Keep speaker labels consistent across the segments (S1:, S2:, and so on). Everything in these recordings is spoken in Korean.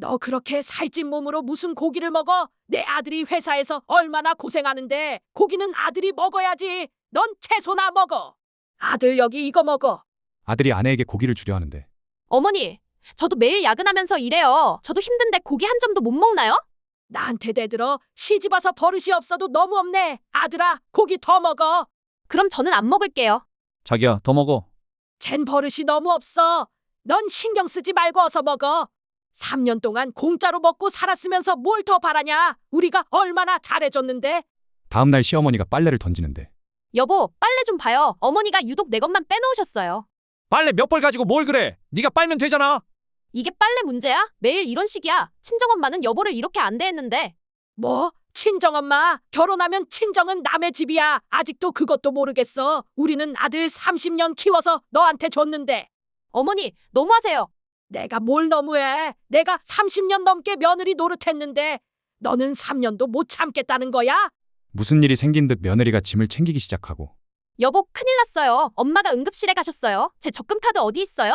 S1: 너 그렇게 살찐 몸으로 무슨 고기를 먹어? 내 아들이 회사에서 얼마나 고생하는데 고기는 아들이 먹어야지. 넌 채소나 먹어. 아들 여기 이거 먹어.
S2: 아들이 아내에게 고기를 주려 하는데
S3: 어머니, 저도 매일 야근하면서 일해요. 저도 힘든데 고기 한 점도 못 먹나요?
S1: 나한테 대들어. 시집 와서 버릇이 없어도 너무 없네. 아들아, 고기 더 먹어.
S3: 그럼 저는 안 먹을게요.
S4: 자기야, 더 먹어.
S1: 쟨 버릇이 너무 없어. 넌 신경 쓰지 말고 어서 먹어. 3년 동안 공짜로 먹고 살았으면서 뭘 더 바라냐? 우리가 얼마나 잘해줬는데.
S2: 다음 날 시어머니가 빨래를 던지는데
S3: 여보, 빨래 좀 봐요. 어머니가 유독 내 것만 빼놓으셨어요.
S4: 빨래 몇 벌 가지고 뭘 그래? 네가 빨면 되잖아.
S3: 이게 빨래 문제야? 매일 이런 식이야. 친정엄마는 여보를 이렇게 안 대했는데.
S1: 뭐? 친정엄마? 결혼하면 친정은 남의 집이야. 아직도 그것도 모르겠어. 우리는 아들 30년 키워서 너한테 줬는데.
S3: 어머니, 너무하세요.
S1: 내가 뭘 너무해. 내가 30년 넘게 며느리 노릇했는데 너는 3년도 못 참겠다는 거야?
S2: 무슨 일이 생긴 듯 며느리가 짐을 챙기기 시작하고
S3: 여보, 큰일 났어요. 엄마가 응급실에 가셨어요. 제 적금 카드 어디 있어요?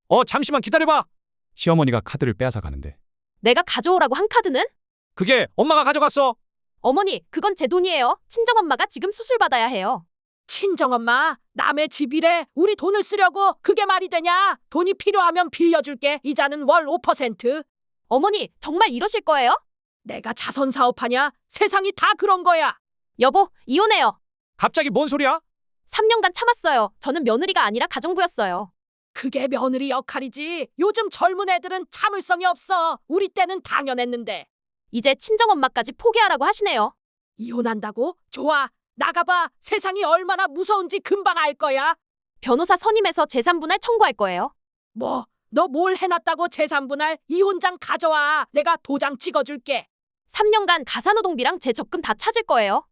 S4: 잠시만 기다려봐.
S2: 시어머니가 카드를 빼앗아 가는데
S3: 내가 가져오라고 한 카드는?
S4: 그게 엄마가 가져갔어.
S3: 어머니, 그건 제 돈이에요. 친정엄마가 지금 수술 받아야 해요.
S1: 친정엄마, 남의 집이래. 우리 돈을 쓰려고. 그게 말이 되냐? 돈이 필요하면 빌려줄게. 이자는 월 5%.
S3: 어머니, 정말 이러실 거예요?
S1: 내가 자선 사업하냐? 세상이 다 그런 거야.
S3: 여보, 이혼해요.
S4: 갑자기 뭔 소리야?
S3: 3년간 참았어요. 저는 며느리가 아니라 가정부였어요.
S1: 그게 며느리 역할이지. 요즘 젊은 애들은 참을성이 없어. 우리 때는 당연했는데.
S3: 이제 친정엄마까지 포기하라고 하시네요.
S1: 이혼한다고? 좋아. 나가봐. 세상이 얼마나 무서운지 금방 알 거야.
S3: 변호사 선임해서 재산분할 청구할 거예요.
S1: 뭐, 너 뭘 해놨다고 재산분할? 이혼장 가져와. 내가 도장 찍어줄게.
S3: 3년간 가사노동비랑 제 적금 다 찾을 거예요.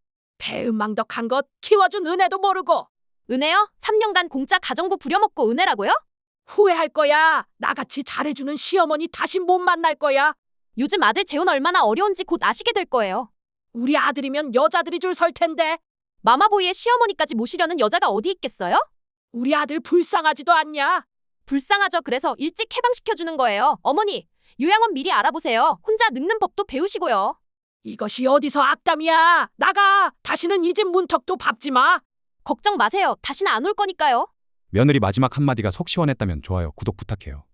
S1: 배은망덕한 것 키워준 은혜도 모르고.
S3: 은혜요? 3년간 공짜 가정부 부려먹고 은혜라고요?
S1: 후회할 거야. 나같이 잘해주는 시어머니 다시 못 만날 거야.
S3: 요즘 아들 재혼 얼마나 어려운지 곧 아시게 될 거예요.
S1: 우리 아들이면 여자들이 줄 설 텐데.
S3: 마마보이의 시어머니까지 모시려는 여자가 어디 있겠어요?
S1: 우리 아들 불쌍하지도 않냐?
S3: 불쌍하죠. 그래서 일찍 해방시켜주는 거예요. 어머니, 요양원 미리 알아보세요. 혼자 늙는 법도 배우시고요.
S1: 이것이 어디서 악담이야. 나가. 다시는 이 집 문턱도 밟지 마.
S3: 걱정 마세요. 다시는 안 올 거니까요.
S2: 며느리 마지막 한마디가 속 시원했다면 좋아요 구독 부탁해요.